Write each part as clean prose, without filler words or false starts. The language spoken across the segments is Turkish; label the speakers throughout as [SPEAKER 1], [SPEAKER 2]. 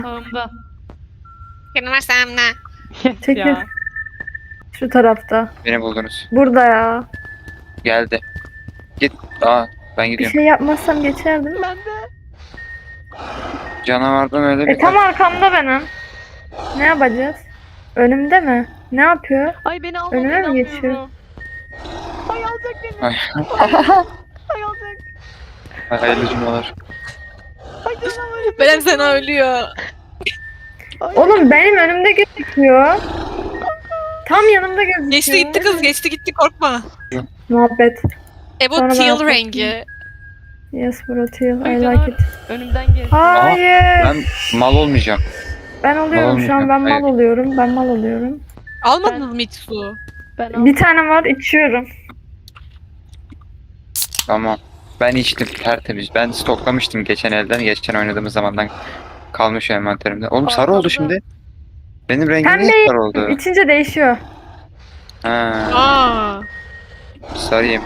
[SPEAKER 1] Sağımda.
[SPEAKER 2] Kırmızımla.
[SPEAKER 1] Yes
[SPEAKER 3] Çekil.
[SPEAKER 1] ya.
[SPEAKER 3] Şu tarafta.
[SPEAKER 4] Beni buldunuz.
[SPEAKER 3] Burada ya.
[SPEAKER 4] Geldi. Git. Aa ben
[SPEAKER 3] Bir
[SPEAKER 4] gidiyorum.
[SPEAKER 3] şey yapmazsam geçerdim.
[SPEAKER 1] Ben de.
[SPEAKER 4] Canavardan öyle bir
[SPEAKER 3] Tam arkamda benim. Ne yapacağız? Önümde mi? Ne yapıyor?
[SPEAKER 1] Ay beni almadı.
[SPEAKER 3] Önüme mi
[SPEAKER 1] inanmıyorum.
[SPEAKER 3] geçiyor?
[SPEAKER 1] Ay alacak beni.
[SPEAKER 4] Ay.
[SPEAKER 1] Ay alacak.
[SPEAKER 4] Hayırlı cumalar.
[SPEAKER 1] Ay canavarım.
[SPEAKER 2] Beren sana ölüyor.
[SPEAKER 1] Ay.
[SPEAKER 3] Oğlum benim önümde gözüküyor. Tam yanımda gözüküyor.
[SPEAKER 2] Geçti gitti kız, geçti gitti, korkma.
[SPEAKER 3] Muhabbet.
[SPEAKER 2] Bu
[SPEAKER 3] Sonra ben
[SPEAKER 2] teal
[SPEAKER 3] atlattım.
[SPEAKER 2] rengi.
[SPEAKER 3] Yes bro teal.
[SPEAKER 1] Ay
[SPEAKER 3] I
[SPEAKER 1] canavar
[SPEAKER 3] like it.
[SPEAKER 1] önümden geçti.
[SPEAKER 3] Hayır.
[SPEAKER 4] Ben mal olmayacağım.
[SPEAKER 3] Ben oluyorum şu an. Ben mal oluyorum. Ben mal oluyorum.
[SPEAKER 2] Almadınız mı hiç su?
[SPEAKER 1] Ben
[SPEAKER 3] Bir tane var içiyorum.
[SPEAKER 4] Tamam. Ben içtim tertemiz. Ben stoklamıştım geçen elden. Geçen oynadığımız zamandan kalmış envanterimde. Oğlum sarı oldu
[SPEAKER 1] Arkamda.
[SPEAKER 4] şimdi. Benim rengim
[SPEAKER 3] Pembe.
[SPEAKER 4] niye sarı oldu?
[SPEAKER 3] İçince değişiyor.
[SPEAKER 4] Ha,
[SPEAKER 2] Aa.
[SPEAKER 4] sarıyım.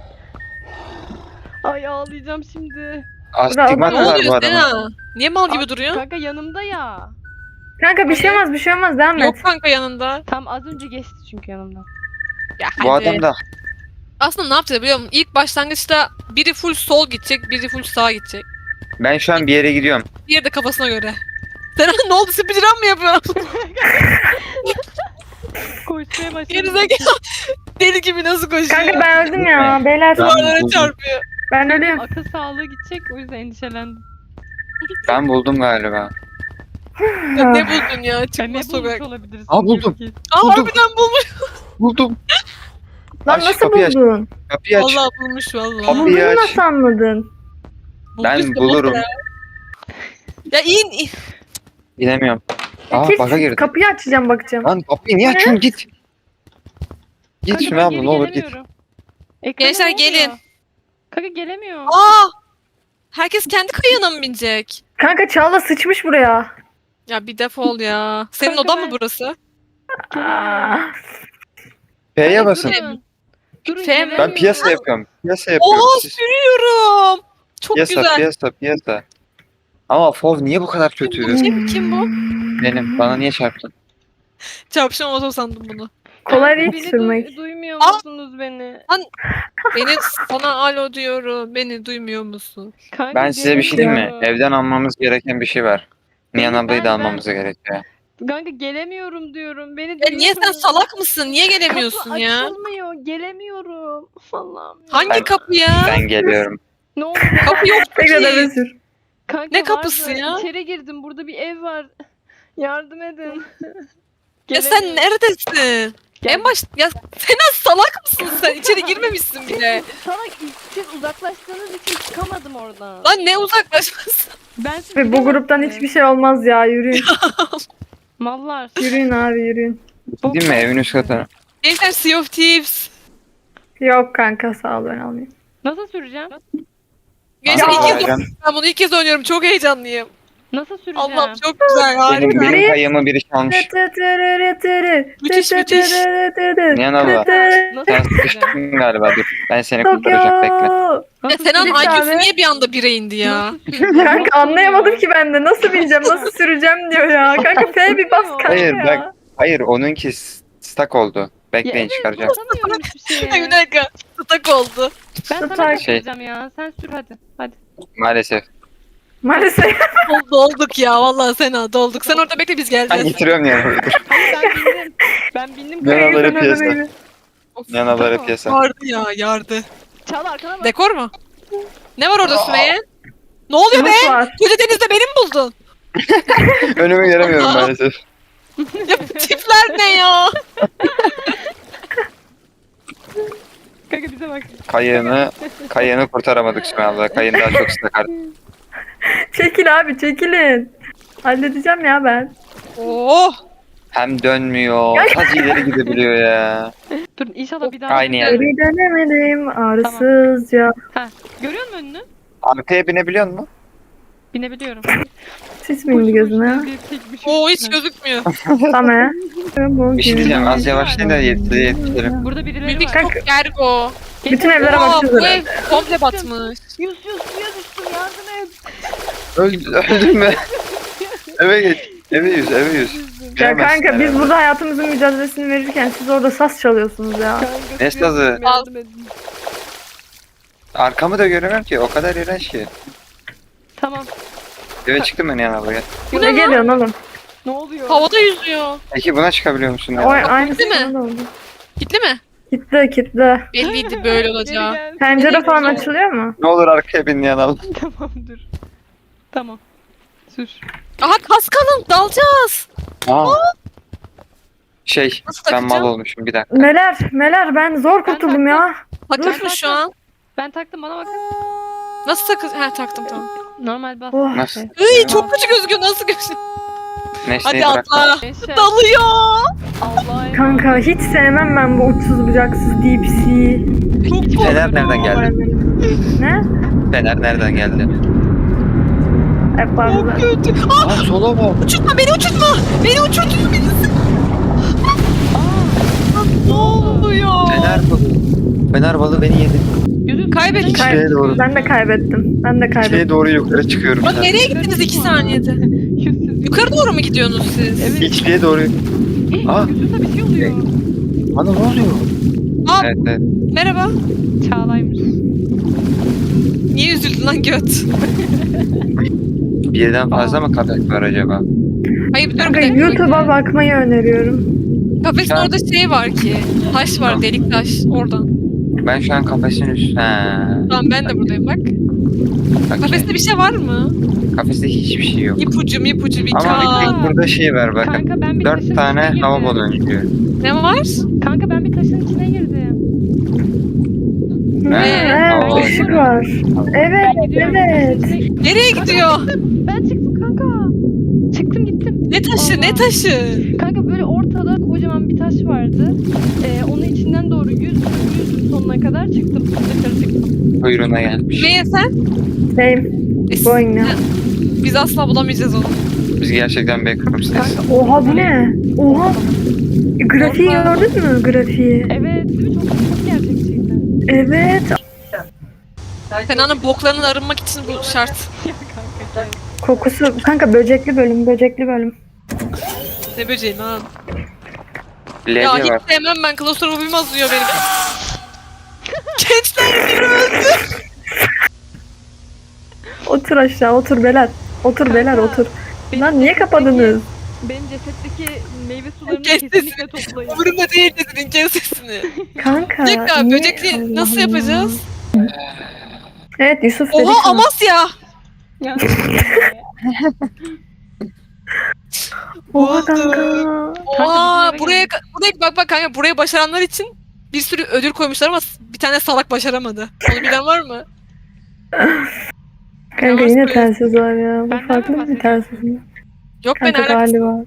[SPEAKER 1] Ay ağlayacağım şimdi.
[SPEAKER 4] Astigmat
[SPEAKER 2] Ne
[SPEAKER 4] var bu
[SPEAKER 2] oluyor
[SPEAKER 4] adamın.
[SPEAKER 2] Sena? Niye mal gibi
[SPEAKER 1] Ay,
[SPEAKER 2] duruyor?
[SPEAKER 1] Kanka yanımda ya.
[SPEAKER 3] Kanka bir şey olmaz, bir şey olmaz. Devam
[SPEAKER 2] Yok
[SPEAKER 3] et.
[SPEAKER 2] kanka yanında.
[SPEAKER 1] Tam az önce geçti çünkü yanımdan.
[SPEAKER 2] Ya
[SPEAKER 4] Bu
[SPEAKER 2] hadi.
[SPEAKER 4] adam da
[SPEAKER 2] Aslında ne yapacağız biliyor musun? İlk başlangıçta biri full sol gidecek, biri full sağa gidecek.
[SPEAKER 4] ben şu an bir yere gidiyorum.
[SPEAKER 2] Diğeri de kafasına göre. Sena ne oldu? Speedrun mı yapıyorsun?
[SPEAKER 1] Koşmaya başladım.
[SPEAKER 2] Gerizekalı. Deli gibi nasıl koşuyor?
[SPEAKER 3] Kanka ben öldüm ya. Beyler
[SPEAKER 2] Duvarlara
[SPEAKER 4] buldum.
[SPEAKER 2] çarpıyor.
[SPEAKER 3] ben ölüyorum.
[SPEAKER 1] Akıl sağlığı gidecek o yüzden endişelendim.
[SPEAKER 4] Ben buldum galiba.
[SPEAKER 2] Ya ne buldun ya?
[SPEAKER 1] Ben ne
[SPEAKER 2] Çıkma
[SPEAKER 1] bulmuş
[SPEAKER 2] sokak.
[SPEAKER 1] olabiliriz?
[SPEAKER 4] Aa, buldum.
[SPEAKER 2] Aa
[SPEAKER 4] Buldum.
[SPEAKER 2] harbiden bulmuş.
[SPEAKER 4] Buldum.
[SPEAKER 3] Lan
[SPEAKER 4] Aç,
[SPEAKER 3] nasıl
[SPEAKER 4] kapıyı aç.
[SPEAKER 3] buldun?
[SPEAKER 4] Kapıyı aç.
[SPEAKER 2] Vallahi bulmuş vallahi.
[SPEAKER 4] Kapıyı
[SPEAKER 3] Buldun
[SPEAKER 4] aç.
[SPEAKER 3] nasıl anladın?
[SPEAKER 4] Ben
[SPEAKER 2] Bulduysa
[SPEAKER 4] bulurum.
[SPEAKER 2] bul Ya in.
[SPEAKER 4] Bilemiyorum. Aa
[SPEAKER 3] Kes,
[SPEAKER 4] baka girdim.
[SPEAKER 3] kapıyı açacağım bakacağım.
[SPEAKER 4] Lan kapıyı niye açıyorsun git. Git
[SPEAKER 1] Kanka
[SPEAKER 4] Süme
[SPEAKER 1] ben
[SPEAKER 4] abla
[SPEAKER 1] geri
[SPEAKER 4] ne olur git.
[SPEAKER 1] gelemiyorum. Ekrana
[SPEAKER 2] Gençler
[SPEAKER 1] ne oluyor?
[SPEAKER 2] gelin.
[SPEAKER 1] Kanka gelemiyor.
[SPEAKER 2] Aa! Herkes kendi kayığına mı binecek?
[SPEAKER 3] Kanka Çağla sıçmış buraya.
[SPEAKER 2] Ya bir defol ya. Senin
[SPEAKER 1] Kanka
[SPEAKER 2] odan
[SPEAKER 1] ben-
[SPEAKER 2] mı burası?
[SPEAKER 3] Aa,
[SPEAKER 4] P'ye
[SPEAKER 1] Kanka
[SPEAKER 4] basın.
[SPEAKER 1] durun. Durun
[SPEAKER 2] F mi?
[SPEAKER 1] gelemiyorum.
[SPEAKER 4] Ben piyasa yapıyorum. Piyasa yapıyorum.
[SPEAKER 2] Oha
[SPEAKER 4] Siz-
[SPEAKER 2] sürüyorum. Çok
[SPEAKER 4] Piyasa,
[SPEAKER 2] güzel.
[SPEAKER 4] piyasa, piyasa. Ama Fov niye bu kadar kötü?
[SPEAKER 2] Kim bu?
[SPEAKER 4] Benim. Bana niye çarptın?
[SPEAKER 2] Çarpışan oto sandım bunu.
[SPEAKER 3] kolay
[SPEAKER 1] Kanka,
[SPEAKER 3] değil
[SPEAKER 1] beni
[SPEAKER 3] sürmek.
[SPEAKER 1] duymuyor
[SPEAKER 2] Aa!
[SPEAKER 1] musunuz beni?
[SPEAKER 2] Beni sana alo diyorum. Beni duymuyor musun?
[SPEAKER 1] Kanka,
[SPEAKER 4] Ben size bir şey diyeyim mi?
[SPEAKER 1] gelemiyorum.
[SPEAKER 4] Evden almamız gereken bir şey var. Nihan
[SPEAKER 1] Benim-
[SPEAKER 4] ablayı da
[SPEAKER 1] ben-
[SPEAKER 4] almamız gerekiyor.
[SPEAKER 1] Kanka gelemiyorum diyorum. Beni
[SPEAKER 2] Ya niye sen
[SPEAKER 1] duymuyor.
[SPEAKER 2] salak mısın? Niye gelemiyorsun
[SPEAKER 1] Kapı
[SPEAKER 2] ya?
[SPEAKER 1] açılmıyor. Gelemiyorum. Allah'ım. ya.
[SPEAKER 2] Hangi
[SPEAKER 4] Ben-
[SPEAKER 2] kapı ya?
[SPEAKER 4] Ben geliyorum.
[SPEAKER 1] Ne oldu?
[SPEAKER 2] Kapı yok
[SPEAKER 3] Tekrar eve
[SPEAKER 2] ki.
[SPEAKER 3] sür.
[SPEAKER 1] Kanka
[SPEAKER 2] Ne kapısı
[SPEAKER 1] vardı.
[SPEAKER 2] ya?
[SPEAKER 1] İçeri girdim. Burada bir ev var. Yardım edin.
[SPEAKER 2] Ya sen
[SPEAKER 1] Gelemiyorum.
[SPEAKER 2] neredesin?
[SPEAKER 1] Gel-
[SPEAKER 2] En baş... Ya Sena salak mısın sen? İçeri girmemişsin bile.
[SPEAKER 1] Salak siz uzaklaştığınız için çıkamadım oradan.
[SPEAKER 2] Lan ne uzaklaşması?
[SPEAKER 1] Ben siz
[SPEAKER 3] Ve bu gruptan
[SPEAKER 1] gidemezsiniz.
[SPEAKER 3] hiçbir şey olmaz ya. Yürüyün.
[SPEAKER 1] Mallar.
[SPEAKER 3] Yürüyün abi yürüyün.
[SPEAKER 4] Değil mi? Evin üst katı.
[SPEAKER 2] Gençler Sea of Thieves.
[SPEAKER 3] Yok kanka sağ ol ben almayayım.
[SPEAKER 1] Nasıl süreceğim?
[SPEAKER 2] Gençler
[SPEAKER 4] Aa,
[SPEAKER 2] ilk kez
[SPEAKER 4] alacağım.
[SPEAKER 2] ben bunu ilk kez oynuyorum. Çok heyecanlıyım.
[SPEAKER 1] Nasıl süreceğim?
[SPEAKER 2] Allah'ım çok güzel. Harika.
[SPEAKER 4] Benim kayığımı biri çalmış.
[SPEAKER 2] Müthiş, müthiş.
[SPEAKER 4] Nihan abla.
[SPEAKER 1] Nasıl
[SPEAKER 4] Sen
[SPEAKER 1] süreceğim?
[SPEAKER 4] sıkıştın galiba. Dur. Ben seni kurtaracağım. Bekle.
[SPEAKER 3] Tokyo.
[SPEAKER 2] Ya
[SPEAKER 1] Nasıl
[SPEAKER 2] Sena'nın
[SPEAKER 3] Lütfen
[SPEAKER 2] IQ'su
[SPEAKER 3] abi.
[SPEAKER 2] niye bir anda 1'e indi ya?
[SPEAKER 1] Nasıl süreceğim?
[SPEAKER 3] Kanka anlayamadım ki ben de. Nasıl bineceğim, nasıl süreceğim diyor ya. Kanka F bir bas kanka
[SPEAKER 4] Hayır,
[SPEAKER 3] ya.
[SPEAKER 4] bak. Hayır onunki stuck oldu. Bekleyin çıkaracağım.
[SPEAKER 1] Basamıyorum hiçbir şeye.
[SPEAKER 2] Ay bir dakika. Tutak oldu.
[SPEAKER 1] Ben sana
[SPEAKER 3] Tutak.
[SPEAKER 1] süreceğim ya. Sen sür hadi. Hadi.
[SPEAKER 4] Maalesef.
[SPEAKER 3] Maalesef.
[SPEAKER 2] Dolduk ya vallahi Sena dolduk. Sen orada bekle biz
[SPEAKER 4] Ben
[SPEAKER 2] geleceğiz.
[SPEAKER 4] getiriyorum Nihan.
[SPEAKER 1] Ben bindim. Ben bindim.
[SPEAKER 4] Ne
[SPEAKER 1] kanka.
[SPEAKER 4] alır
[SPEAKER 3] Sen
[SPEAKER 4] piyasa.
[SPEAKER 3] öyle.
[SPEAKER 2] Of,
[SPEAKER 4] Nihan abla piyasa.
[SPEAKER 2] Yardı ya yardı.
[SPEAKER 1] Çal arkana bak.
[SPEAKER 2] Dekor mu? Ne var orada Sümeyye? Ne oluyor be?
[SPEAKER 3] Umut var.
[SPEAKER 2] Koca denizde beni mi buldun?
[SPEAKER 4] Önümü göremiyorum maalesef.
[SPEAKER 2] Ya bu tipler ne ya?
[SPEAKER 1] Kanka bize bak.
[SPEAKER 4] Kayığını kurtaramadık şimdi abla. Kayığın daha çok stuck artık.
[SPEAKER 3] Çekil abi çekilin. Halledeceğim ya ben.
[SPEAKER 2] Oh.
[SPEAKER 4] Hem dönmüyor. Az ileri gidebiliyor ya.
[SPEAKER 1] Dur inşallah bir daha.
[SPEAKER 4] Aynı yer.
[SPEAKER 3] Geri dönemedim ağrısızca.
[SPEAKER 1] Görüyor musun önünü?
[SPEAKER 4] Arkaya binebiliyor musun?
[SPEAKER 1] Binebiliyorum.
[SPEAKER 3] Sis mi indi gözüne?
[SPEAKER 2] Oo hiç gözükmüyor.
[SPEAKER 3] Tamam.
[SPEAKER 4] Bir şey diyeceğim. Az yavaşlayın da yetiştirelim.
[SPEAKER 1] Burada birileri
[SPEAKER 2] Müzik
[SPEAKER 1] var.
[SPEAKER 3] Kanka-
[SPEAKER 2] çok gergo.
[SPEAKER 3] Bütün evlere
[SPEAKER 2] Aa
[SPEAKER 3] bakacağız
[SPEAKER 2] bu
[SPEAKER 3] herhalde.
[SPEAKER 2] ev komple batmış.
[SPEAKER 1] Yus suya düştüm yardım et.
[SPEAKER 4] Öldün mü? Eve geç. Eve yüz.
[SPEAKER 3] Ya
[SPEAKER 4] Giremezsin
[SPEAKER 3] kanka biz
[SPEAKER 4] herhalde.
[SPEAKER 3] burada hayatımızın mücadelesini verirken siz orada saz çalıyorsunuz ya.
[SPEAKER 1] Kanka,
[SPEAKER 4] Ne
[SPEAKER 1] suya
[SPEAKER 4] sazı?
[SPEAKER 1] düştüm, yardım edin.
[SPEAKER 4] Arkamı da göremem ki. O kadar iğrenç ki.
[SPEAKER 1] Tamam.
[SPEAKER 4] Eve çıktım ben yana buraya.
[SPEAKER 2] Bu
[SPEAKER 3] Ne
[SPEAKER 2] ne lan?
[SPEAKER 3] geliyorsun oğlum?
[SPEAKER 1] Ne oluyor?
[SPEAKER 2] Havada yüzüyor.
[SPEAKER 4] Peki buna çıkabiliyor musun?
[SPEAKER 3] O
[SPEAKER 4] Ya?
[SPEAKER 3] aynısı
[SPEAKER 2] Değil mi?
[SPEAKER 3] sana da oldu.
[SPEAKER 2] Gitti mi?
[SPEAKER 3] Kitle.
[SPEAKER 2] Belliydi böyle
[SPEAKER 1] Geri
[SPEAKER 2] olacağı.
[SPEAKER 1] gel.
[SPEAKER 3] Pencere
[SPEAKER 2] Nereye
[SPEAKER 3] falan
[SPEAKER 2] gidiyor?
[SPEAKER 3] açılıyor mu?
[SPEAKER 4] Ne olur arkaya bin yanalım.
[SPEAKER 1] Tamam dur. Tamam. Sür.
[SPEAKER 2] Aha kas kalın dalacağız.
[SPEAKER 4] Aa.
[SPEAKER 2] Nasıl
[SPEAKER 4] Ben mal
[SPEAKER 2] takacağım?
[SPEAKER 4] olmuşum bir dakika.
[SPEAKER 3] Meler ben zor kurtuldum ya.
[SPEAKER 2] Takılmış mı şu an?
[SPEAKER 1] Ben taktım bana bakın.
[SPEAKER 2] Nasıl takıl? Ha taktım tamam.
[SPEAKER 1] Normal bas.
[SPEAKER 3] Oh.
[SPEAKER 4] Nasıl?
[SPEAKER 2] Iy çok kötü gözüküyor nasıl gözüküyor?
[SPEAKER 4] Nesneyi
[SPEAKER 2] Hadi
[SPEAKER 4] bırak.
[SPEAKER 2] atla.
[SPEAKER 1] Neşe.
[SPEAKER 2] Dalıyor.
[SPEAKER 1] Allah'a emanet.
[SPEAKER 3] Kanka hiç sevmem ben bu uçsuz bucaksız deep sea.
[SPEAKER 2] Çok
[SPEAKER 4] Fener nereden geldi?
[SPEAKER 3] Ne?
[SPEAKER 4] Fener nereden geldi?
[SPEAKER 3] Hep fazla.
[SPEAKER 2] kötü.
[SPEAKER 4] Aa sola bak.
[SPEAKER 2] Uçurtma beni uçurtma. Beni uçurtuyor beni. Ne oluyor?
[SPEAKER 4] Fener balığı beni yedi.
[SPEAKER 1] Yüzün
[SPEAKER 2] Kaybettik.
[SPEAKER 4] Şeye doğru.
[SPEAKER 3] Ben de kaybettim.
[SPEAKER 4] Şeye doğru yukarı çıkıyorum.
[SPEAKER 2] Bak nereye gittiniz 2 saniyede?
[SPEAKER 1] Yüzsüz.
[SPEAKER 2] Yukarı doğru mu gidiyorsunuz siz?
[SPEAKER 1] Evet.
[SPEAKER 4] İçliğe doğru. Aa.
[SPEAKER 1] Yüzünde bir şey oluyor.
[SPEAKER 4] Bana ne oluyor?
[SPEAKER 2] Aa
[SPEAKER 4] Evet.
[SPEAKER 2] merhaba.
[SPEAKER 1] Çağlaymış.
[SPEAKER 2] Niye üzüldün lan göt?
[SPEAKER 4] Birden fazla mı köpek var acaba?
[SPEAKER 2] Hayır dur
[SPEAKER 3] Kanka
[SPEAKER 2] bir dakika.
[SPEAKER 3] YouTube'a bakmayı öneriyorum.
[SPEAKER 2] Kafesin
[SPEAKER 4] Ya.
[SPEAKER 2] orada şey var ki. Taş var delik taş oradan.
[SPEAKER 4] Ben şu an kafesin üstü. Ha.
[SPEAKER 2] Tamam ben de buradayım bak.
[SPEAKER 4] Bak
[SPEAKER 2] Kafeste bir şey var mı?
[SPEAKER 4] Kafeste hiçbir şey yok.
[SPEAKER 2] İpucu bir
[SPEAKER 4] Ama
[SPEAKER 2] kağıt.
[SPEAKER 4] burada şey var bakın.
[SPEAKER 1] Kanka ben bir taşın
[SPEAKER 4] 4 tane
[SPEAKER 1] içine
[SPEAKER 4] hava
[SPEAKER 1] girdim.
[SPEAKER 4] baloncuğu.
[SPEAKER 2] Ne var?
[SPEAKER 1] Kanka ben bir taşın içine girdim.
[SPEAKER 3] Evet, ışık var. Evet,
[SPEAKER 1] Ben gidiyorum.
[SPEAKER 3] evet.
[SPEAKER 1] Taşın içine-
[SPEAKER 2] Nereye gidiyor?
[SPEAKER 1] Ben çıktım kanka. Çıktım gittim.
[SPEAKER 2] Ne taşı ne
[SPEAKER 1] Allah.
[SPEAKER 2] taşı?
[SPEAKER 1] Kanka böyle ortada kocaman bir taş vardı. Onun içinden doğru yüzdüm sonuna kadar çıktım. Dışarı çıktım.
[SPEAKER 4] Kuyruğuna gelmiş.
[SPEAKER 2] Neye sen?
[SPEAKER 3] Same. Going now.
[SPEAKER 2] Biz asla bulamayacağız onu.
[SPEAKER 4] Biz gerçekten backroom's'teyiz.
[SPEAKER 3] Oha bu ne? Oha. Grafiği gördün mü? Grafiği.
[SPEAKER 1] Evet değil mi? Çok gerçekçiydi.
[SPEAKER 3] Evet.
[SPEAKER 2] Fena'nın boklarından arınmak için bu şart.
[SPEAKER 1] Ya kanka.
[SPEAKER 3] Kokusu. Kanka böcekli bölüm.
[SPEAKER 2] Ne böceği lan?
[SPEAKER 4] Levye
[SPEAKER 2] Ya
[SPEAKER 4] var.
[SPEAKER 2] hiç sevmem ben. Klostrofobim azıyor benim. Gençler biri öldü.
[SPEAKER 3] Otur aşağı, otur Beler. Otur Beler, otur. Lan niye kapadınız?
[SPEAKER 1] Benim cesetteki meyve sularını
[SPEAKER 2] Kes
[SPEAKER 1] kesinlikle toplayın.
[SPEAKER 2] Umurumda değil dedin kes sesini.
[SPEAKER 3] Kanka.
[SPEAKER 2] Tekrar
[SPEAKER 3] niye-
[SPEAKER 2] böcekli nasıl
[SPEAKER 3] Allah
[SPEAKER 2] yapacağız?
[SPEAKER 3] Allah. Evet Yusuf dedi
[SPEAKER 2] Oha
[SPEAKER 3] sana.
[SPEAKER 2] Amasya.
[SPEAKER 1] Ya.
[SPEAKER 3] Oha kanka.
[SPEAKER 2] Oha
[SPEAKER 1] bizim eve
[SPEAKER 2] buraya bak kanka buraya başaranlar için bir sürü ödül koymuşlar ama bir tane salak başaramadı. Onu bilen var mı?
[SPEAKER 3] Kanka
[SPEAKER 2] Yavaş
[SPEAKER 3] yine
[SPEAKER 2] koy.
[SPEAKER 3] telsiz var ya. Bu
[SPEAKER 1] Benden
[SPEAKER 3] farklı
[SPEAKER 1] mi
[SPEAKER 3] bir telsiz mi?
[SPEAKER 2] Yok ben
[SPEAKER 3] Kanka
[SPEAKER 2] alakası.
[SPEAKER 3] galiba.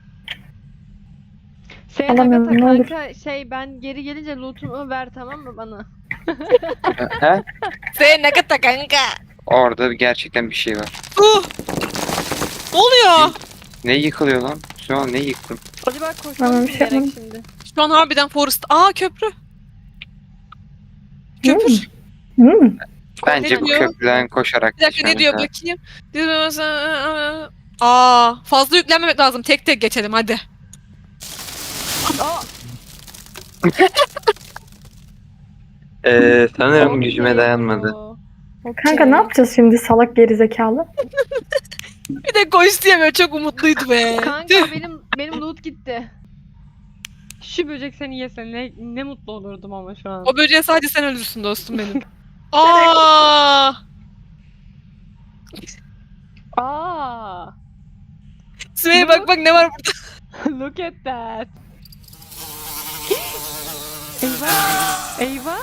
[SPEAKER 1] Alamıyorum,
[SPEAKER 3] ne olur.
[SPEAKER 1] kanka ben geri gelince lootumu ver tamam mı bana?
[SPEAKER 4] He?
[SPEAKER 2] Sen ne kadar kanka?
[SPEAKER 4] Orada gerçekten bir şey var.
[SPEAKER 2] Ne oluyor?
[SPEAKER 4] Ne yıkılıyor lan? Şu an ne yıktım?
[SPEAKER 1] Acaba
[SPEAKER 3] Bana
[SPEAKER 1] koşmamız
[SPEAKER 3] bir
[SPEAKER 1] mı
[SPEAKER 3] şey
[SPEAKER 1] gerek
[SPEAKER 3] yapmadım.
[SPEAKER 1] şimdi?
[SPEAKER 2] Şu an harbiden Forest. Aa köprü. Köprü.
[SPEAKER 3] Hmm.
[SPEAKER 4] Bence
[SPEAKER 2] Ne
[SPEAKER 4] bu
[SPEAKER 2] diyor?
[SPEAKER 4] köprüden koşarak
[SPEAKER 2] Bir dakika ne
[SPEAKER 4] geçmemiz
[SPEAKER 2] diyor
[SPEAKER 4] lazım.
[SPEAKER 2] bakayım. Aa fazla yüklenmemek lazım. Tek tek geçelim hadi.
[SPEAKER 1] Aa!
[SPEAKER 4] Sanırım
[SPEAKER 1] okey.
[SPEAKER 4] gücüme dayanmadı.
[SPEAKER 1] Okey.
[SPEAKER 3] Kanka ne yapacağız şimdi salak gerizekalı?
[SPEAKER 2] Bir de koş diye böyle çok umutluydu be.
[SPEAKER 1] Kanka benim loot gitti. Şu böcek seni yese ne mutlu olurdum ama şu an.
[SPEAKER 2] O böceğe sadece sen ölürsün dostum benim. Aa!
[SPEAKER 1] Aa!
[SPEAKER 2] Sümeyye bak ne var burada.
[SPEAKER 1] Look at that. Eyvah. Eyvah.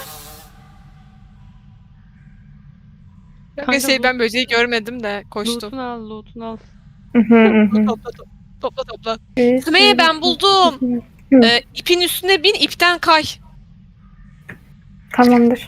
[SPEAKER 2] Kanka
[SPEAKER 1] Kanka bu-
[SPEAKER 2] ben böceği görmedim de koştum.
[SPEAKER 1] Loot'unu al, loot'unu al.
[SPEAKER 2] Topla. Sümeyye ben buldum. İpin üstüne bin ipten kay.
[SPEAKER 3] Tamamdır.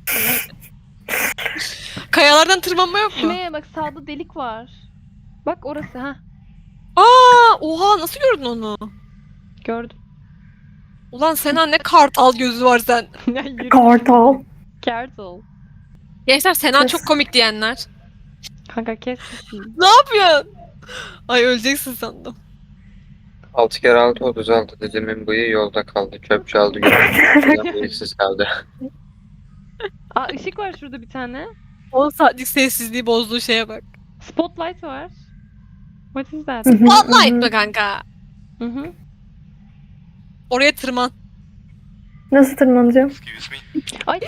[SPEAKER 2] Kayalardan tırmanma yok mu?
[SPEAKER 1] Sümeyye bak sağda delik var. Bak orası ha.
[SPEAKER 2] Aa, oha nasıl gördün onu?
[SPEAKER 1] Gördüm.
[SPEAKER 2] Ulan Sena ne kartal gözü var sen.
[SPEAKER 1] Ya yürü.
[SPEAKER 3] Kartal.
[SPEAKER 1] Careful.
[SPEAKER 2] Gençler Sena
[SPEAKER 3] Kes.
[SPEAKER 2] çok komik diyenler.
[SPEAKER 1] Kanka kes sesini.
[SPEAKER 2] Ne yapıyorsun? Ay öleceksin sandım.
[SPEAKER 4] 6 kere 6 36 dedemin bıyığı yolda kaldı. Çöp çaldı götürdü. Bıyıksız kaldı.
[SPEAKER 1] Aa ışık var şurada bir tane.
[SPEAKER 2] 10 saatlik sessizliği bozduğu şeye bak.
[SPEAKER 1] Spotlight var. What is that?
[SPEAKER 2] Spotlight mı kanka?
[SPEAKER 1] Hı hı.
[SPEAKER 2] Oraya tırman.
[SPEAKER 3] Nasıl tırmanacağım?
[SPEAKER 1] Ay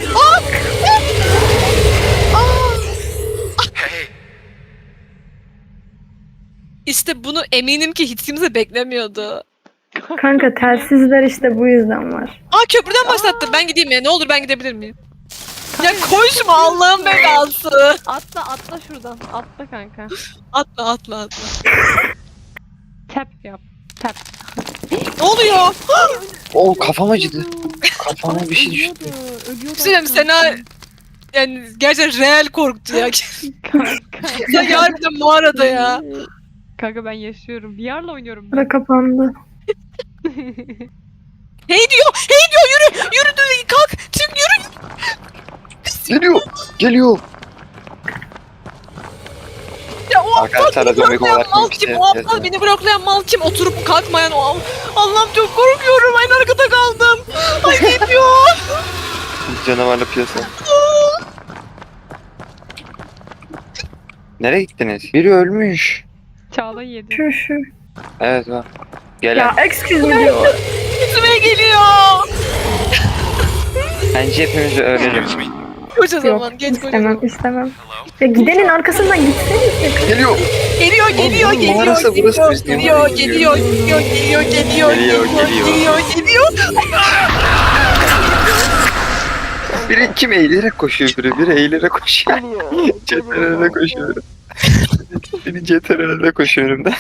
[SPEAKER 2] İşte bunu eminim ki hiç kimse beklemiyordu.
[SPEAKER 3] Kanka telsizler işte bu yüzden var.
[SPEAKER 2] Aa köprüden başlattı. Ben gideyim ya. Ne olur ben gidebilir miyim? Ya koşma Allah'ın belası.
[SPEAKER 1] atla şuradan. Atla kanka.
[SPEAKER 2] Atla atla atla.
[SPEAKER 1] Tap yap. Tap.
[SPEAKER 2] Ne oluyor?
[SPEAKER 4] Oo kafam acıdı. Kafama bir şey düştü.
[SPEAKER 1] Ölüyordu.
[SPEAKER 2] Söyleyeyim Sena yani gerçekten real korktu ya.
[SPEAKER 1] Kanka.
[SPEAKER 2] Sen harbiden mağarada ya.
[SPEAKER 1] Kanka ben yaşıyorum. VR'la oynuyorum ben.
[SPEAKER 3] Bura kapandı.
[SPEAKER 2] Hey diyor. Hey diyor yürü. Yürü diyor. Kalk. Çık yürü.
[SPEAKER 4] Geliyor. Geliyor.
[SPEAKER 2] Ya o aptal
[SPEAKER 4] Arkadaşlar
[SPEAKER 2] beni
[SPEAKER 4] zombi
[SPEAKER 2] bloklayan
[SPEAKER 4] olarak
[SPEAKER 2] mal
[SPEAKER 4] bir
[SPEAKER 2] kim?
[SPEAKER 4] şey
[SPEAKER 2] O aptal
[SPEAKER 4] yazıyor.
[SPEAKER 2] beni bloklayan mal kim? Oturup kalkmayan o Allah'ım çok korkuyorum. En arkada kaldım. Ay geliyor.
[SPEAKER 4] Canavarlı piyasa. Nereye gittiniz? Biri ölmüş.
[SPEAKER 1] Çağla yedi.
[SPEAKER 3] Şu.
[SPEAKER 4] Evet bak. Gelen.
[SPEAKER 3] Ya excuse me diyor.
[SPEAKER 2] Üstüme geliyor.
[SPEAKER 4] Bence hepimiz ölelim.
[SPEAKER 2] Koca
[SPEAKER 3] Yok
[SPEAKER 2] zaman geç koca
[SPEAKER 3] istemem
[SPEAKER 2] zaman.
[SPEAKER 3] istemem. Ya gidenin arkasından gitseniz.
[SPEAKER 4] Geliyor.
[SPEAKER 2] Geliyor geliyor
[SPEAKER 4] Oğlum,
[SPEAKER 2] geliyor
[SPEAKER 4] mağarası burası, biz niye
[SPEAKER 2] geliyor
[SPEAKER 4] buraya
[SPEAKER 2] geliyor geliyor geliyor geliyor
[SPEAKER 4] Geliyor,
[SPEAKER 2] geliyor.
[SPEAKER 4] Biri kim eğilerek koşuyor biri eğilerek koşuyor. CTRL'de koşuyor. Biri CTRL'de koşuyor önümde.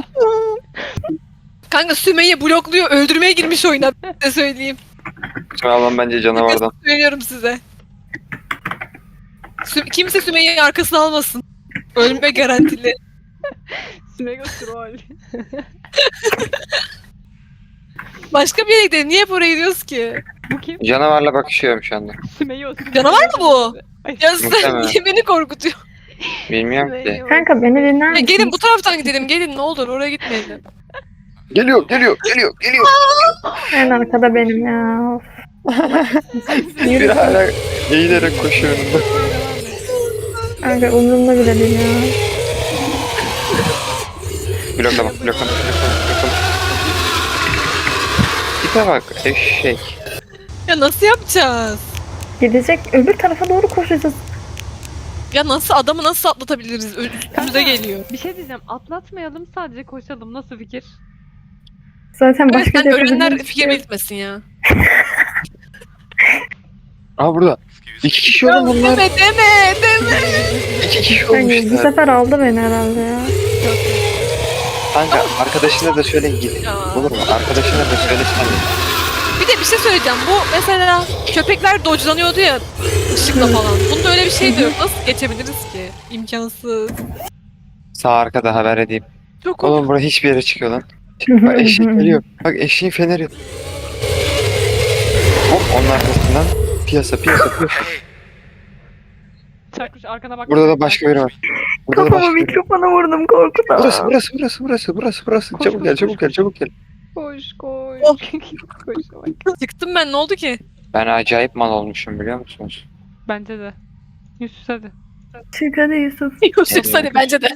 [SPEAKER 2] Kanka Sümeyye blokluyor öldürmeye girmiş oyuna size söyleyeyim.
[SPEAKER 4] Şu an bence canavardan.
[SPEAKER 2] Söylüyorum size. Kimse Sümeyye'yi arkasına almasın. Ölme garantili.
[SPEAKER 1] Smego troll.
[SPEAKER 2] Başka bir yere gidelim. Niye hep oraya gidiyoruz ki?
[SPEAKER 1] Bu kim?
[SPEAKER 4] Canavarla bakışıyorum şu anda.
[SPEAKER 1] Smego.
[SPEAKER 2] Canavar mı bu?
[SPEAKER 1] Ay,
[SPEAKER 2] Ya sen
[SPEAKER 4] Muhtemelen.
[SPEAKER 2] niye beni korkutuyor?
[SPEAKER 4] Bilmiyorum ki.
[SPEAKER 1] Smego.
[SPEAKER 3] Kanka beni dinler
[SPEAKER 2] Ya
[SPEAKER 3] misin?
[SPEAKER 2] gelin bu taraftan gidelim. Gelin ne olur oraya gitmeyelim.
[SPEAKER 4] Geliyor.
[SPEAKER 3] En arkada benim ya. Of.
[SPEAKER 4] Biri hala eğilerek koşuyor önümde.
[SPEAKER 3] Kanka umurumda bile değil ya.
[SPEAKER 4] Bloklama. Tipe bak eşek.
[SPEAKER 2] Ya nasıl yapacağız?
[SPEAKER 3] Gidecek öbür tarafa doğru koşacağız.
[SPEAKER 2] Ya nasıl adamı nasıl atlatabiliriz? Üstümüze geliyor.
[SPEAKER 1] Bir şey diyeceğim. Atlatmayalım sadece koşalım. Nasıl fikir?
[SPEAKER 3] Zaten
[SPEAKER 2] Evet,
[SPEAKER 3] başka
[SPEAKER 2] sen
[SPEAKER 3] bir
[SPEAKER 2] ölenler
[SPEAKER 3] yapacağımız
[SPEAKER 2] fikir
[SPEAKER 3] şey yok.
[SPEAKER 2] belirtmesin ya.
[SPEAKER 4] Aa burada. 2 kişi oğlum bunlar.
[SPEAKER 2] Deme.
[SPEAKER 4] 2 kişi
[SPEAKER 3] Kanka, bu
[SPEAKER 4] olmuşlar.
[SPEAKER 3] sefer aldı beni herhalde ya.
[SPEAKER 4] Kanka arkadaşına da söyle git.
[SPEAKER 2] Ya.
[SPEAKER 4] Olur mu? Arkadaşına da söylesene.
[SPEAKER 2] Bir de bir şey söyleyeceğim. Bu mesela köpekler dodge'lanıyordu ya ışıkla falan. Bunda öyle bir şey de yok. Nasıl geçebiliriz ki? İmkansız.
[SPEAKER 4] Sağ arkada haber edeyim.
[SPEAKER 2] Çok
[SPEAKER 4] Oğlum buraya hiçbir yere çıkıyor lan. Bak eşek geliyor. Bak eşeğin feneri. Hop onun arkasından piyasa.
[SPEAKER 1] Çakmış arkana bak.
[SPEAKER 4] Burada da başka biri var. Burada da
[SPEAKER 3] Kafama
[SPEAKER 4] başka biri var.
[SPEAKER 3] mikrofona vurdum korkudan.
[SPEAKER 4] Burası. Çabuk gel.
[SPEAKER 1] Koş.
[SPEAKER 2] Oh.
[SPEAKER 1] Koş bak.
[SPEAKER 2] çıktım ben ne oldu ki?
[SPEAKER 4] Ben acayip mal olmuşum biliyor musunuz?
[SPEAKER 1] Bence de. Yusuf hadi.
[SPEAKER 3] Çık hadi Yusuf.
[SPEAKER 2] Yusuf hadi bence de.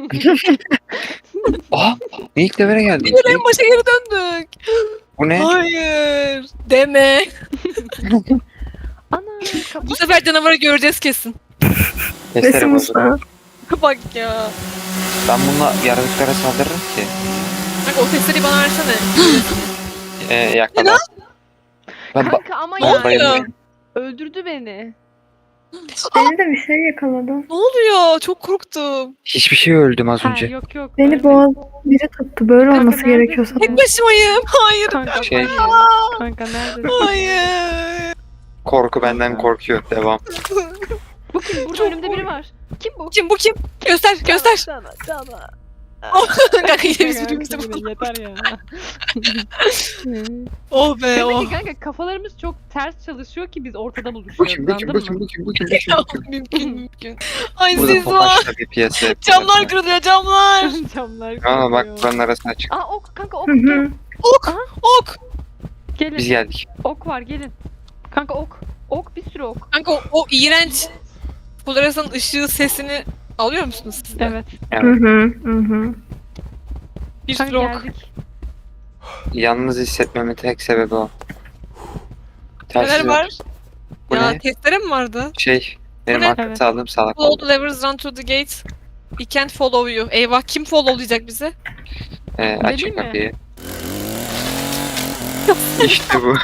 [SPEAKER 4] Aa! İlk levere geldik.
[SPEAKER 2] Yine en başa geri döndük.
[SPEAKER 4] Bu ne?
[SPEAKER 2] Hayır. Deme.
[SPEAKER 1] Ana.
[SPEAKER 2] Bu sefer canavarı göreceğiz kesin.
[SPEAKER 4] Testere
[SPEAKER 3] Resim
[SPEAKER 4] bozuldu.
[SPEAKER 3] usta.
[SPEAKER 2] Bak ya.
[SPEAKER 4] Ben bununla yaratıklara saldırırım ki.
[SPEAKER 2] Bak o sesleri bana versene.
[SPEAKER 4] Yakala.
[SPEAKER 1] Kanka ama
[SPEAKER 2] Ne
[SPEAKER 1] ya.
[SPEAKER 2] oluyor?
[SPEAKER 1] Öldürdü beni.
[SPEAKER 3] Beni de bir şey yakaladı.
[SPEAKER 2] Ne oluyor? Çok korktum.
[SPEAKER 4] Hiçbir şey öldüm az
[SPEAKER 1] Ha,
[SPEAKER 4] önce.
[SPEAKER 1] yok.
[SPEAKER 3] Beni boğaz biri tuttu. Böyle
[SPEAKER 1] Kanka,
[SPEAKER 3] olması
[SPEAKER 1] neredesin?
[SPEAKER 3] gerekiyorsa.
[SPEAKER 2] Tek başımayım. Hayır.
[SPEAKER 1] Kanka,
[SPEAKER 4] Şey-
[SPEAKER 1] kanka neredesin?
[SPEAKER 2] Hayır.
[SPEAKER 4] Korku benden korkuyor. Devam.
[SPEAKER 1] Bu kim? Burada
[SPEAKER 2] Çok
[SPEAKER 1] önümde biri var. Kim bu?
[SPEAKER 2] Kim bu kim? Göster.
[SPEAKER 1] Cana.
[SPEAKER 2] Kanka yine biz birbirimizi bulduk.
[SPEAKER 1] Yeter ya.
[SPEAKER 2] Oh be
[SPEAKER 1] Demek
[SPEAKER 2] oh.
[SPEAKER 1] ki kanka kafalarımız çok ters çalışıyor ki biz ortada buluşuyoruz.
[SPEAKER 4] Bu kim?
[SPEAKER 2] Mümkün. Ay
[SPEAKER 4] Burada
[SPEAKER 2] siz var.
[SPEAKER 4] topaçla bir piyasa yapıyorlar.
[SPEAKER 2] Camlar kırılıyor camlar.
[SPEAKER 1] Camlar
[SPEAKER 4] Aa bak
[SPEAKER 1] kırılıyor.
[SPEAKER 4] buranın arasına çık.
[SPEAKER 1] Aa ok kanka ok
[SPEAKER 3] Hı hı.
[SPEAKER 1] gel.
[SPEAKER 2] Ok. Ok.
[SPEAKER 1] Gelin.
[SPEAKER 4] Biz geldik.
[SPEAKER 1] Ok var gelin. Kanka ok. Ok bir sürü ok.
[SPEAKER 2] Kanka o iğrenç floresan ışığı sesini alıyor musunuz siz de?
[SPEAKER 1] Evet.
[SPEAKER 3] Hı hı. Hı hı.
[SPEAKER 2] Bir sürü
[SPEAKER 1] Kanka
[SPEAKER 2] ok.
[SPEAKER 1] geldik.
[SPEAKER 4] Yalnız hissetmemin tek sebebi o.
[SPEAKER 2] Neler
[SPEAKER 4] Telsiz
[SPEAKER 2] var?
[SPEAKER 4] Bu
[SPEAKER 2] Ya
[SPEAKER 4] ne?
[SPEAKER 2] testere mi vardı?
[SPEAKER 4] Benim
[SPEAKER 2] Bu ne?
[SPEAKER 4] arka
[SPEAKER 1] Evet.
[SPEAKER 4] sağlığım salak
[SPEAKER 2] Follow
[SPEAKER 4] oldu.
[SPEAKER 2] the levers, run to the gate. He can't follow you. Eyvah kim followlayacak bizi?
[SPEAKER 4] Açın
[SPEAKER 1] mi?
[SPEAKER 4] kapıyı. İşte bu.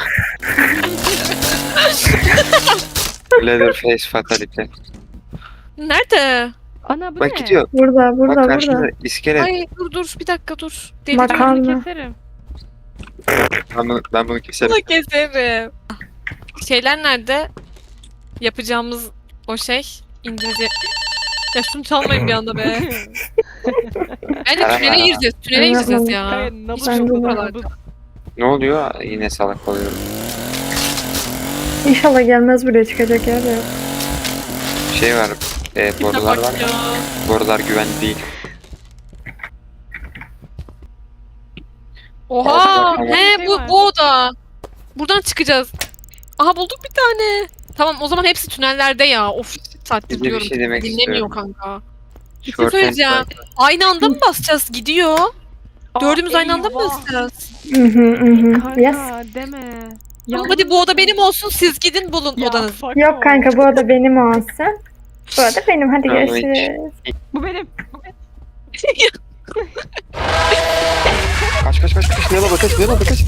[SPEAKER 4] Leatherface Fatality.
[SPEAKER 2] Nerede?
[SPEAKER 1] Ana bu
[SPEAKER 4] Bak
[SPEAKER 1] ne?
[SPEAKER 4] gidiyor.
[SPEAKER 3] Burada, burada,
[SPEAKER 4] Bak karşında
[SPEAKER 3] burada.
[SPEAKER 4] iskelet.
[SPEAKER 2] Ay dur bir dakika dur.
[SPEAKER 3] Bak-
[SPEAKER 2] Deliriyorum.
[SPEAKER 3] Makarna.
[SPEAKER 1] Bunu keserim.
[SPEAKER 4] Ben bunu keserim.
[SPEAKER 2] Bunu keserim. Şeyler nerede? Yapacağımız o şey. İngilizce. Ya şunu çalmayın bir anda be. Bence tünele gireceğiz. Tünele gireceğiz ya.
[SPEAKER 1] Kanka
[SPEAKER 2] Hiç
[SPEAKER 1] nabız
[SPEAKER 3] Ben
[SPEAKER 2] yok
[SPEAKER 3] de
[SPEAKER 2] buralarda.
[SPEAKER 4] Ne oluyor? Yine salak oluyorum.
[SPEAKER 3] İnşallah gelmez buraya çıkacak yer de yok.
[SPEAKER 4] Şey var. Borular var.
[SPEAKER 2] Ya.
[SPEAKER 4] Borular güvenli değil.
[SPEAKER 2] Oha!
[SPEAKER 4] Tamam.
[SPEAKER 2] He
[SPEAKER 1] Şey
[SPEAKER 2] bu
[SPEAKER 1] var.
[SPEAKER 2] bu oda. Buradan çıkacağız. Aha bulduk bir tane. Tamam o zaman hepsi tünellerde ya. Of saattir
[SPEAKER 4] Bir de bir
[SPEAKER 2] diyorum.
[SPEAKER 4] şey demek
[SPEAKER 2] Dinlemiyor
[SPEAKER 4] istiyorum.
[SPEAKER 2] kanka. Bir şey
[SPEAKER 4] Short
[SPEAKER 2] söyleyeceğim.
[SPEAKER 4] hand
[SPEAKER 2] Aynı anda mı basacağız? Gidiyor. Dördümüz aynı anda mı
[SPEAKER 1] eyvah.
[SPEAKER 2] basacağız?
[SPEAKER 3] Hı hı hı hı.
[SPEAKER 1] Kanka
[SPEAKER 3] Yes.
[SPEAKER 1] deme.
[SPEAKER 2] Tamam, hadi bu oda benim olsun. Siz gidin bulun
[SPEAKER 1] Ya,
[SPEAKER 2] odanızı.
[SPEAKER 1] fuck
[SPEAKER 3] Yok
[SPEAKER 1] off.
[SPEAKER 3] kanka bu oda benim olsun. Bu oda benim. Hadi
[SPEAKER 4] Tamam,
[SPEAKER 3] görüşürüz.
[SPEAKER 1] Bu benim.
[SPEAKER 4] Kaç. Yana bak kaç. Yana bak kaç.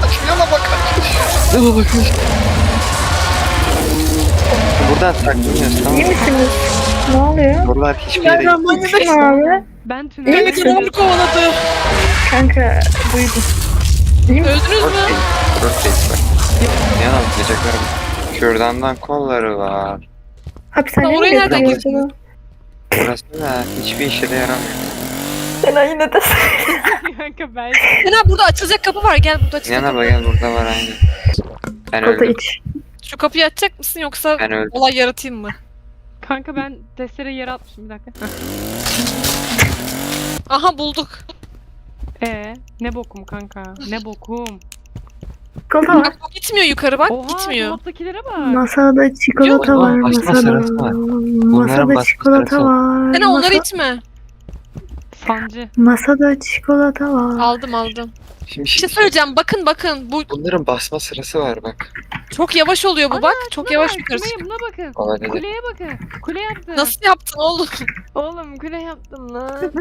[SPEAKER 4] Buradan saklanıyoruz tamam
[SPEAKER 3] İyi
[SPEAKER 4] mı?
[SPEAKER 3] misiniz? Ne oluyor?
[SPEAKER 4] Borular hiçbir yere
[SPEAKER 3] Kim abi?
[SPEAKER 1] Ben
[SPEAKER 3] İyi
[SPEAKER 1] tünelde.
[SPEAKER 2] Beni
[SPEAKER 3] misin?
[SPEAKER 2] canavar kovaladı.
[SPEAKER 3] Kanka duydum.
[SPEAKER 2] Öldünüz mü?
[SPEAKER 4] Rotate bak. Yana bakacaklarım. Kürdandan kolları var.
[SPEAKER 3] Hapishaneye mi
[SPEAKER 2] Oraya nereden
[SPEAKER 3] götürüyor acaba?
[SPEAKER 4] Burası da hiçbir işe de yaramıyor.
[SPEAKER 3] Sen yine de.
[SPEAKER 1] Kanka ben.
[SPEAKER 2] Sena burada açılacak kapı var. Gel burada açılacak
[SPEAKER 4] Yana
[SPEAKER 2] kapı
[SPEAKER 4] bak gel burada var aynı. Ben
[SPEAKER 3] Kola
[SPEAKER 4] öldüm.
[SPEAKER 3] iç.
[SPEAKER 2] Şu kapıyı açacak mısın yoksa
[SPEAKER 4] Ben öldüm.
[SPEAKER 2] olay yaratayım mı?
[SPEAKER 1] Kanka ben testere yere atmışım bir dakika.
[SPEAKER 2] Aha bulduk.
[SPEAKER 1] Ne bokum kanka? Ne bokum?
[SPEAKER 3] Kola var.
[SPEAKER 2] Bak bu gitmiyor yukarı bak
[SPEAKER 1] Oha
[SPEAKER 2] gitmiyor.
[SPEAKER 1] dolaptakilere bak.
[SPEAKER 3] Masada çikolata
[SPEAKER 2] Yok,
[SPEAKER 3] var.
[SPEAKER 4] basma
[SPEAKER 3] Masada.
[SPEAKER 4] sırası var. Bunların
[SPEAKER 3] Masada
[SPEAKER 4] basma
[SPEAKER 3] çikolata
[SPEAKER 4] sırası
[SPEAKER 3] var.
[SPEAKER 2] Sena onları
[SPEAKER 3] Masa-
[SPEAKER 2] itme.
[SPEAKER 1] Sancı.
[SPEAKER 3] Masada çikolata var.
[SPEAKER 2] Aldım.
[SPEAKER 4] Şimdi
[SPEAKER 2] Bir şey söyleyeceğim bakın bu
[SPEAKER 4] Bunların basma sırası var bak.
[SPEAKER 2] çok yavaş oluyor bu
[SPEAKER 1] Ana,
[SPEAKER 2] bak. Çok
[SPEAKER 1] Şuna
[SPEAKER 2] yavaş
[SPEAKER 1] bak,
[SPEAKER 2] yukarı
[SPEAKER 1] şuraya,
[SPEAKER 2] çıkıyor.
[SPEAKER 1] buna bakın.
[SPEAKER 4] Olabilir.
[SPEAKER 1] Kuleye bakın. Kule yaptım.
[SPEAKER 2] Nasıl yaptın oğlum?
[SPEAKER 1] Oğlum kule yaptım lan.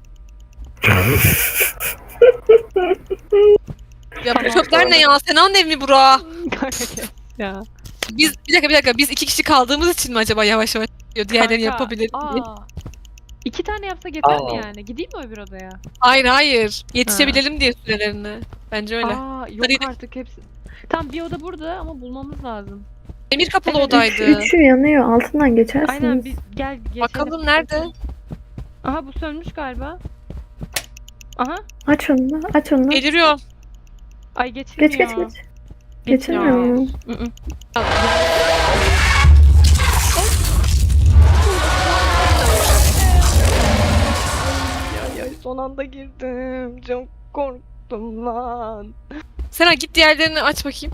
[SPEAKER 2] Ya bu çöpler ne ya? Sena'nın evi mi bura?
[SPEAKER 1] Kanka kes ya.
[SPEAKER 2] Biz bir dakika biz 2 kişi kaldığımız için mi acaba yavaş yavaş diyor diğerlerini
[SPEAKER 1] Kanka,
[SPEAKER 2] yapabilir diye.
[SPEAKER 1] 2 tane yapsak yeter mi
[SPEAKER 4] Aa.
[SPEAKER 1] yani? Gideyim mi öbür odaya?
[SPEAKER 2] Hayır. Yetişebilelim diye sürelerine. Bence öyle.
[SPEAKER 1] Yok
[SPEAKER 2] Hadi.
[SPEAKER 1] artık hepsi. Tam bir oda burada ama bulmamız lazım.
[SPEAKER 2] Demir kapılı
[SPEAKER 1] Evet,
[SPEAKER 2] odaydı.
[SPEAKER 3] Üçü yanıyor. Altından geçersiniz.
[SPEAKER 1] Aynen biz gel geçelim.
[SPEAKER 2] Bakalım nerede?
[SPEAKER 1] Aha bu sönmüş galiba. Aha.
[SPEAKER 3] Aç onu da. Aç onu da.
[SPEAKER 2] Deliriyorum.
[SPEAKER 1] Ay geçilmiyor.
[SPEAKER 3] Geç. Geçilmiyor mu?
[SPEAKER 1] Hı hı. Son anda girdim. Çok korktum lan.
[SPEAKER 2] Sena git diğerlerini aç bakayım.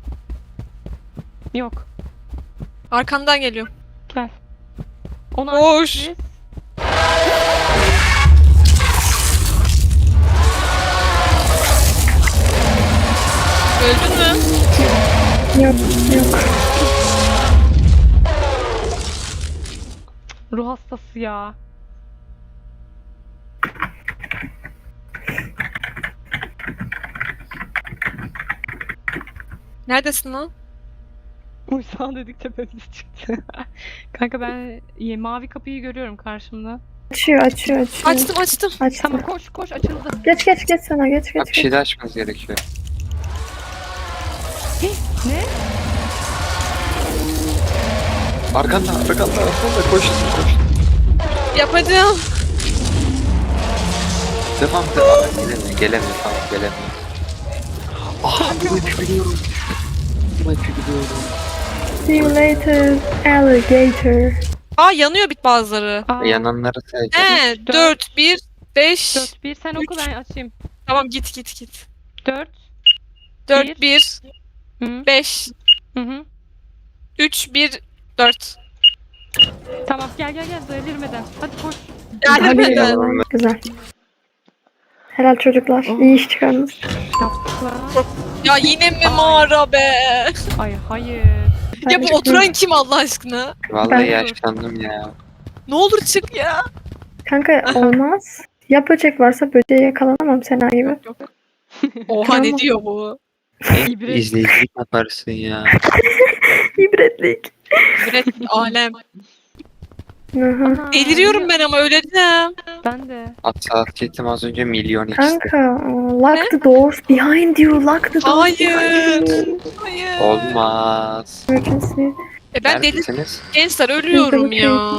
[SPEAKER 1] Yok.
[SPEAKER 2] Arkandan geliyor.
[SPEAKER 1] Gel. Onu
[SPEAKER 2] Koş.
[SPEAKER 1] açtık biz.
[SPEAKER 2] Öldün mü?
[SPEAKER 3] Yok.
[SPEAKER 1] Ruh hastası ya.
[SPEAKER 2] Neredesin lan?
[SPEAKER 1] Uysal dedik tepemiz çıktı. Kanka ben mavi kapıyı görüyorum karşımda.
[SPEAKER 3] Açıyor.
[SPEAKER 2] Açtım.
[SPEAKER 3] Açtım.
[SPEAKER 1] Tamam koş açıldı.
[SPEAKER 3] Geç sana geç.
[SPEAKER 4] Bak bir şey daha açmanız gerekiyor.
[SPEAKER 1] Ne?
[SPEAKER 4] Arkanda koş.
[SPEAKER 2] Yapacağım.
[SPEAKER 4] Devam devam. Gelemiyor tamam gelemiyor. Aha bu ipi biliyorum. Bu ipi biliyorum.
[SPEAKER 3] See you later, alligator.
[SPEAKER 2] Aa yanıyor bit bazıları.
[SPEAKER 1] Aa,
[SPEAKER 4] Yananları say.
[SPEAKER 2] He 4, 1, 5.
[SPEAKER 1] 4, 1 sen oku ben açayım.
[SPEAKER 2] Tamam git.
[SPEAKER 1] 4.
[SPEAKER 2] 4, 1,
[SPEAKER 1] Hı
[SPEAKER 2] 5,
[SPEAKER 1] hı.
[SPEAKER 2] 3, 1, 4.
[SPEAKER 1] Tamam gel delirmeden. Hadi koş.
[SPEAKER 3] Hadi
[SPEAKER 2] Gelmeden.
[SPEAKER 3] bakalım. Güzel. Helal çocuklar. İyi iş çıkardınız.
[SPEAKER 1] Yaptık lan.
[SPEAKER 2] Ya yine mi mağara be?
[SPEAKER 1] Ay hayır.
[SPEAKER 2] Ya bu oturan kim Allah aşkına?
[SPEAKER 4] Vallahi
[SPEAKER 3] Ben-
[SPEAKER 4] yaşlandım ya.
[SPEAKER 2] Ne olur çık ya.
[SPEAKER 3] Kanka olmaz. Ya böcek varsa böceğe yakalanamam Sena gibi.
[SPEAKER 2] Yok. Oha
[SPEAKER 3] Tamam.
[SPEAKER 2] ne diyor bu?
[SPEAKER 1] İbret.
[SPEAKER 4] İzleyicilik yaparsın ya.
[SPEAKER 3] İbretlik.
[SPEAKER 2] Üret alem.
[SPEAKER 3] Hı.
[SPEAKER 1] Ana,
[SPEAKER 2] Deliriyorum ben ama öleceğim.
[SPEAKER 1] Ben de.
[SPEAKER 4] Hassasiyetim az önce milyon ikisi.
[SPEAKER 3] Kanka lock the doors behind you. Lock the doors
[SPEAKER 2] Hayır.
[SPEAKER 3] behind you.
[SPEAKER 2] Hayır.
[SPEAKER 4] Olmaz.
[SPEAKER 3] Emergency.
[SPEAKER 2] Ben deli
[SPEAKER 4] Neredesiniz?
[SPEAKER 2] gençler ölüyorum ya.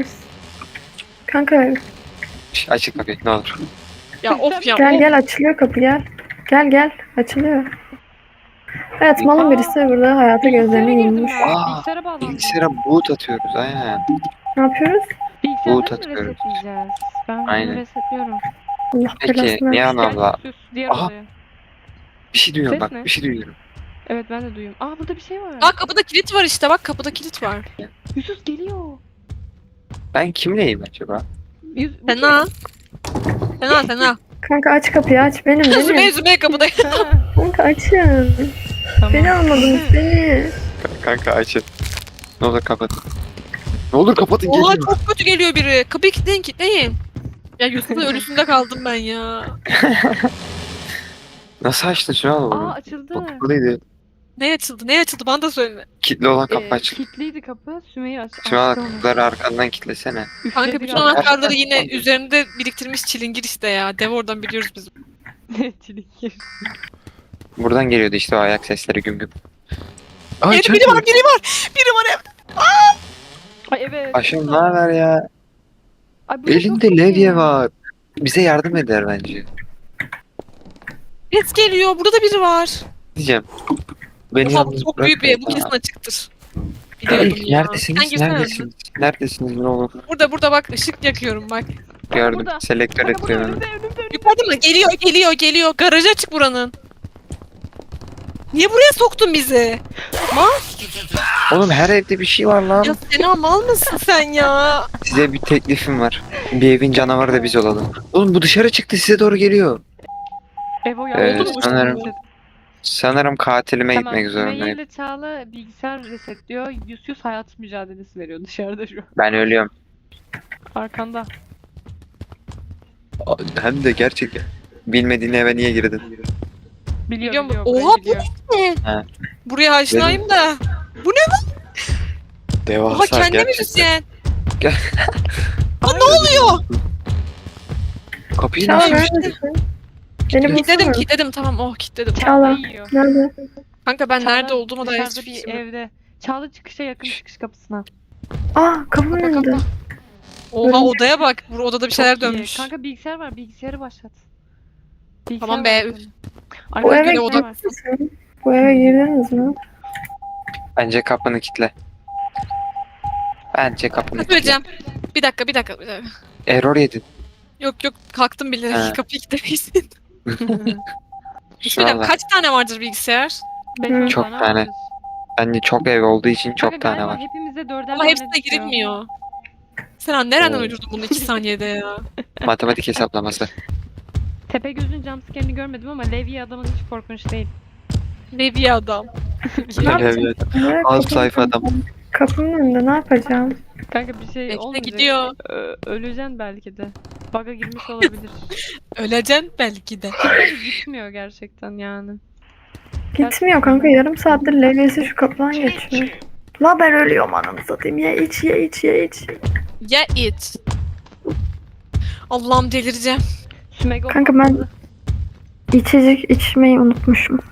[SPEAKER 3] Kanka
[SPEAKER 4] Açık kapıyı ne olur.
[SPEAKER 2] Ya of ya.
[SPEAKER 3] gel açılıyor kapı gel. Gel açılıyor. Evet malın birisi burada hayata gözlerini
[SPEAKER 1] Bilgisayara girdim
[SPEAKER 3] yummuş.
[SPEAKER 1] ben.
[SPEAKER 4] Aa,
[SPEAKER 1] Bilgisayara bağlandım.
[SPEAKER 4] Bilgisayara boot atıyoruz aynen.
[SPEAKER 3] Ne yapıyoruz?
[SPEAKER 1] Bilgisayarı
[SPEAKER 4] boot
[SPEAKER 1] mı
[SPEAKER 4] atıyoruz.
[SPEAKER 1] resetleyeceğiz? Ben
[SPEAKER 4] Aynen.
[SPEAKER 1] bunu resetliyorum.
[SPEAKER 3] Allah
[SPEAKER 4] Peki
[SPEAKER 3] belasını
[SPEAKER 4] Nihan
[SPEAKER 3] versin.
[SPEAKER 4] abla
[SPEAKER 1] Gel sus diğer
[SPEAKER 4] Aha.
[SPEAKER 1] odaya.
[SPEAKER 4] bir şey duyuyorum
[SPEAKER 1] Ses
[SPEAKER 4] bak
[SPEAKER 1] ne?
[SPEAKER 4] bir şey duyuyorum.
[SPEAKER 1] Evet ben de duyuyorum. Aa burada bir şey var.
[SPEAKER 2] Bak kapıda kilit var işte bak kapıda kilit var.
[SPEAKER 1] Yusuf geliyor.
[SPEAKER 4] Ben kimleyim acaba?
[SPEAKER 1] Bu
[SPEAKER 2] Fena. Fena.
[SPEAKER 3] Kanka aç kapıyı aç. Benim.
[SPEAKER 2] Zümey kapıda.
[SPEAKER 1] kim? Ha,
[SPEAKER 3] Kanka açın.
[SPEAKER 1] tamam.
[SPEAKER 3] Beni almadınız beni.
[SPEAKER 4] Kanka açın. Ne olur kapatın. Ne olur kapatın
[SPEAKER 2] Oha
[SPEAKER 4] geliyor.
[SPEAKER 2] çok kötü geliyor biri. Kapıyı kilitleyin. Ya Yusuf'un ölüsünde kaldım ben ya.
[SPEAKER 4] Nasıl açtın şunu al
[SPEAKER 1] Aa
[SPEAKER 4] onu.
[SPEAKER 1] açıldı.
[SPEAKER 4] Kapalıydı.
[SPEAKER 2] Ne açıldı bana da söyle.
[SPEAKER 4] Kilitli olan kapı açık.
[SPEAKER 1] Kilitliydi kapı. Sümeyye
[SPEAKER 4] Şu an
[SPEAKER 1] açtı onu.
[SPEAKER 4] kapıları arkandan kilitlesene.
[SPEAKER 2] Kanka
[SPEAKER 1] Üfledi
[SPEAKER 2] bütün
[SPEAKER 1] galiba.
[SPEAKER 2] anahtarları yine üzerinde biriktirmiş çilingir işte ya. Dev oradan biliyoruz biz.
[SPEAKER 1] Çilingir.
[SPEAKER 4] Buradan geliyordu işte o ayak sesleri güm güm. Ay
[SPEAKER 2] Evde biri var. Biri var evde.
[SPEAKER 1] Ay evet.
[SPEAKER 4] Aşkım ne haber ya?
[SPEAKER 1] Ay, bu da çok
[SPEAKER 4] Elinde
[SPEAKER 1] kötü.
[SPEAKER 4] levye var. Bize yardım eder bence.
[SPEAKER 2] Ses geliyor. Burada da biri var.
[SPEAKER 4] Diyeceğim. Beni
[SPEAKER 2] Oha
[SPEAKER 4] yalnız
[SPEAKER 2] çok büyük bir ev. Bu
[SPEAKER 4] bırakma.
[SPEAKER 2] kesin açıktır. Biliyordum
[SPEAKER 4] Hey,
[SPEAKER 2] ya.
[SPEAKER 4] neredesiniz?
[SPEAKER 2] Sen girsene.
[SPEAKER 4] Neredesiniz? Neredesiniz ne olur?
[SPEAKER 2] Burada bak ışık yakıyorum bak.
[SPEAKER 4] Gördüm.
[SPEAKER 1] burada.
[SPEAKER 4] Selektör
[SPEAKER 1] Kanka burada
[SPEAKER 4] ediyorum.
[SPEAKER 1] önümde.
[SPEAKER 2] Yukarıda mı? Geliyor. Garajı açık buranın. Niye buraya soktun bizi?
[SPEAKER 4] Oğlum her evde bir şey var lan.
[SPEAKER 2] Ya Sena mal mısın sen ya?
[SPEAKER 4] Size bir teklifim var. Bir evin canavarı da biz olalım. Oğlum bu dışarı çıktı size doğru geliyor.
[SPEAKER 1] Evo ya.
[SPEAKER 4] Evet,
[SPEAKER 1] oldu mu?
[SPEAKER 4] sanırım. Sanırım katilime
[SPEAKER 1] Tamam,
[SPEAKER 4] gitmek
[SPEAKER 1] Sümeyye
[SPEAKER 4] zorundayım.
[SPEAKER 1] ile Çağla bilgisayar resetliyor. Yusuf hayat mücadelesi veriyor dışarıda şu an.
[SPEAKER 4] Ben ölüyorum.
[SPEAKER 1] Arkanda.
[SPEAKER 4] Hem de gerçekten. Bilmediğin eve niye girdin?
[SPEAKER 1] Biliyor
[SPEAKER 2] Biliyorum.
[SPEAKER 1] biliyor.
[SPEAKER 2] Oha,
[SPEAKER 1] burayı biliyor.
[SPEAKER 4] Ha.
[SPEAKER 2] Buraya aşinayım da.
[SPEAKER 4] Devasa
[SPEAKER 2] Oha kendi
[SPEAKER 4] gerçekten.
[SPEAKER 2] müzisyen.
[SPEAKER 1] Aa,
[SPEAKER 2] ne oluyor?
[SPEAKER 4] Kapıyı
[SPEAKER 3] Çağla
[SPEAKER 4] nasıl
[SPEAKER 3] neredesin? Beni bulsana.
[SPEAKER 2] Kilitledim tamam kilitledim.
[SPEAKER 3] Çağla.
[SPEAKER 1] yiyor.
[SPEAKER 3] Nerede?
[SPEAKER 2] Kanka ben
[SPEAKER 1] Çağla
[SPEAKER 2] nerede olduğuma dair
[SPEAKER 1] dışarıda
[SPEAKER 2] hiçbir
[SPEAKER 1] bir
[SPEAKER 2] fikrim yok.
[SPEAKER 1] evde. Çağla çıkışa yakın çıkış kapısına.
[SPEAKER 3] Aa kapının
[SPEAKER 2] Kapa,
[SPEAKER 3] önünde.
[SPEAKER 2] kapa. Oha odaya bak. Bu odada bir şeyler
[SPEAKER 1] Çok iyi.
[SPEAKER 2] dönmüş.
[SPEAKER 1] Kanka bilgisayar var. Bilgisayarı başlat.
[SPEAKER 2] Tamam
[SPEAKER 1] Bilgisayar
[SPEAKER 2] be,
[SPEAKER 1] var.
[SPEAKER 2] üf.
[SPEAKER 1] Ay,
[SPEAKER 3] Bu eve
[SPEAKER 1] bilgisayar
[SPEAKER 2] oda-
[SPEAKER 1] var.
[SPEAKER 3] girdiniz mi? Bu eve girdiniz mi?
[SPEAKER 4] Bence kapını kilitle. Bence kapını
[SPEAKER 2] Ne
[SPEAKER 4] kilitle.
[SPEAKER 2] söyleyeceğim? Bir dakika.
[SPEAKER 4] Error yedin.
[SPEAKER 2] Yok kalktım bile.
[SPEAKER 4] Ha.
[SPEAKER 2] Kapıyı kilitlemeyin. Bir şey
[SPEAKER 4] Şu
[SPEAKER 2] söyleyeceğim.
[SPEAKER 4] anda.
[SPEAKER 2] Kaç tane vardır bilgisayar?
[SPEAKER 1] Beş
[SPEAKER 4] Çok
[SPEAKER 1] tane
[SPEAKER 4] tane.
[SPEAKER 1] vardır.
[SPEAKER 4] Bence çok ev olduğu için
[SPEAKER 1] Kanka
[SPEAKER 4] çok tane
[SPEAKER 1] galiba
[SPEAKER 4] var.
[SPEAKER 1] hepimize dörder
[SPEAKER 2] Ama
[SPEAKER 1] tane
[SPEAKER 2] hepsine
[SPEAKER 1] düşüyor.
[SPEAKER 2] girilmiyor. Sen nereden
[SPEAKER 4] Oo.
[SPEAKER 2] uydurdun bunu 2 saniyede ya?
[SPEAKER 4] Matematik hesaplaması.
[SPEAKER 1] Tepegöz'ün jumpscare'ini görmedim ama Levi adamın hiç korkunç değil.
[SPEAKER 2] Levi adam.
[SPEAKER 3] Ne yapacağım? Ne
[SPEAKER 4] Az
[SPEAKER 3] kapının
[SPEAKER 4] sayfa adam.
[SPEAKER 3] önünde? Kapının önünde ne yapacağım?
[SPEAKER 1] Kanka bir şey
[SPEAKER 2] Bekle
[SPEAKER 1] olmayacak.
[SPEAKER 2] gidiyor.
[SPEAKER 1] Öleceksin belki de. Bug'a girmiş olabilir.
[SPEAKER 2] Öleceksin belki de.
[SPEAKER 1] Kanka gitmiyor gerçekten yani.
[SPEAKER 3] Gitmiyor kanka yarım saattir levyesi şu kapıdan geçiyor. La ben ölüyorum ananı satayım. Ye iç.
[SPEAKER 2] Ya it. Allah'ım delireceğim.
[SPEAKER 1] Sümego
[SPEAKER 3] Kanka ben içecek içmeyi unutmuşum.